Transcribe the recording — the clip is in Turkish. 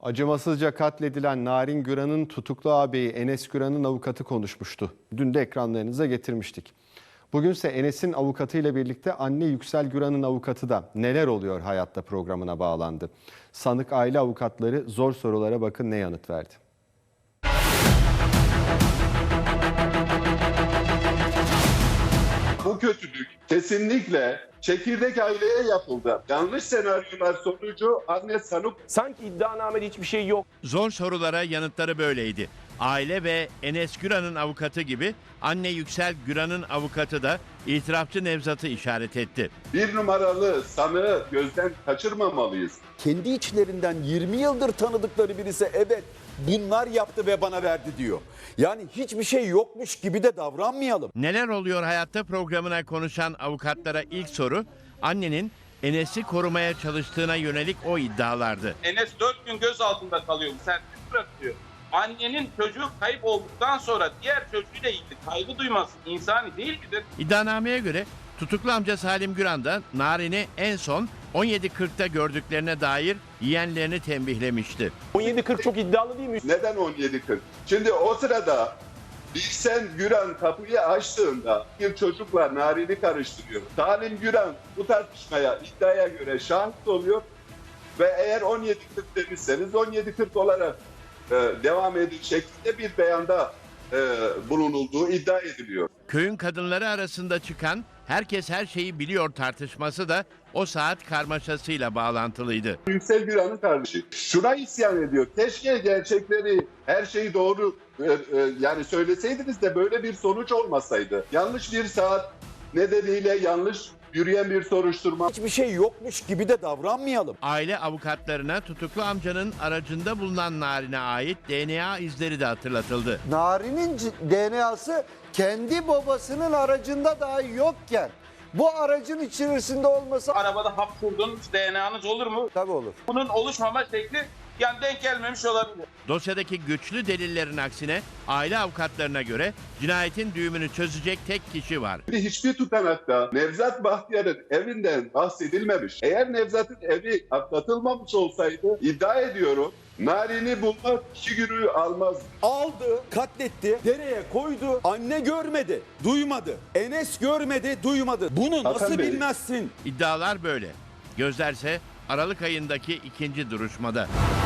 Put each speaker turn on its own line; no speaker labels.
Acımasızca katledilen Narin Güran'ın tutuklu ağabeyi Enes Güran'ın avukatı konuşmuştu. Dün de ekranlarınıza getirmiştik. Bugünse Enes'in avukatıyla birlikte anne Yüksel Güran'ın avukatı da Neler Oluyor Hayatta programına bağlandı. Sanık aile avukatları zor sorulara bakın ne yanıt verdi.
Bu kötülük kesinlikle çekirdek aileye yapıldı. Yanlış senaryolar sonucu anne sanık.
Sanki iddianamede hiçbir şey yok.
Zor sorulara yanıtları böyleydi. Aile ve Enes Güran'ın avukatı gibi anne Yüksel Güran'ın avukatı da itirafçı Nevzat'ı işaret etti.
Bir numaralı sanığı gözden kaçırmamalıyız.
Kendi içlerinden 20 yıldır tanıdıkları birisi evet bunlar yaptı ve bana verdi diyor. Yani hiçbir şey yokmuş gibi de davranmayalım.
Neler Oluyor Hayatta programına konuşan avukatlara ilk soru annenin Enes'i korumaya çalıştığına yönelik o iddialardı.
Enes 4 gün gözaltında kalıyor. Serbest bırakılıyor. Annenin çocuğu kayıp olduktan sonra diğer çocuğuyla ilgili kaygı duyması insani değil midir?
İddianameye göre tutuklu amca Salim Güran da Narin'i en son 17.40'ta gördüklerine dair yeğenlerini tembihlemişti.
17.40 çok iddialı değil mi?
Neden 17.40? Şimdi o sırada Bilsen Güran kapıyı açtığında bir çocukla Narin'i karıştırıyor. Salim Güran bu tartışmaya iddiaya göre şahit oluyor ve eğer 17.40 demişseniz 17.40 olarak devam edecek şekilde bir beyanda bulunulduğu iddia ediliyor.
Köyün kadınları arasında çıkan herkes her şeyi biliyor tartışması da o saat karmaşasıyla bağlantılıydı.
Yüksel Güran'ın kardeşi şuna isyan ediyor. Keşke gerçekleri, her şeyi doğru yani söyleseydiniz de böyle bir sonuç olmasaydı. Yanlış bir saat nedeniyle yanlış yürüyen bir soruşturma.
Hiçbir şey yokmuş gibi de davranmayalım.
Aile avukatlarına tutuklu amcanın aracında bulunan Narin'e ait DNA izleri de hatırlatıldı.
Narin'in DNA'sı kendi babasının aracında dahi yokken bu aracın içerisinde olması
Arabada hapşurdunuz, DNA'nız olur mu?
tabii olur.
Bunun oluşmama şekli yani denk gelmemiş olabilir.
Dosyadaki güçlü delillerin aksine aile avukatlarına göre cinayetin düğümünü çözecek tek kişi var.
Hiçbir tutanakta Nevzat Bahtiyar'ın evinden bahsedilmemiş. Eğer Nevzat'ın evi atlatılmamış olsaydı iddia ediyorum Narin'i bulmak 2 günü almaz.
Aldı, katletti, dereye koydu. Anne görmedi, duymadı. Enes görmedi, duymadı. Bunu nasıl
Hakan Bey.
bilmezsin?
İddialar böyle. Gözlerse Aralık ayındaki ikinci duruşmada.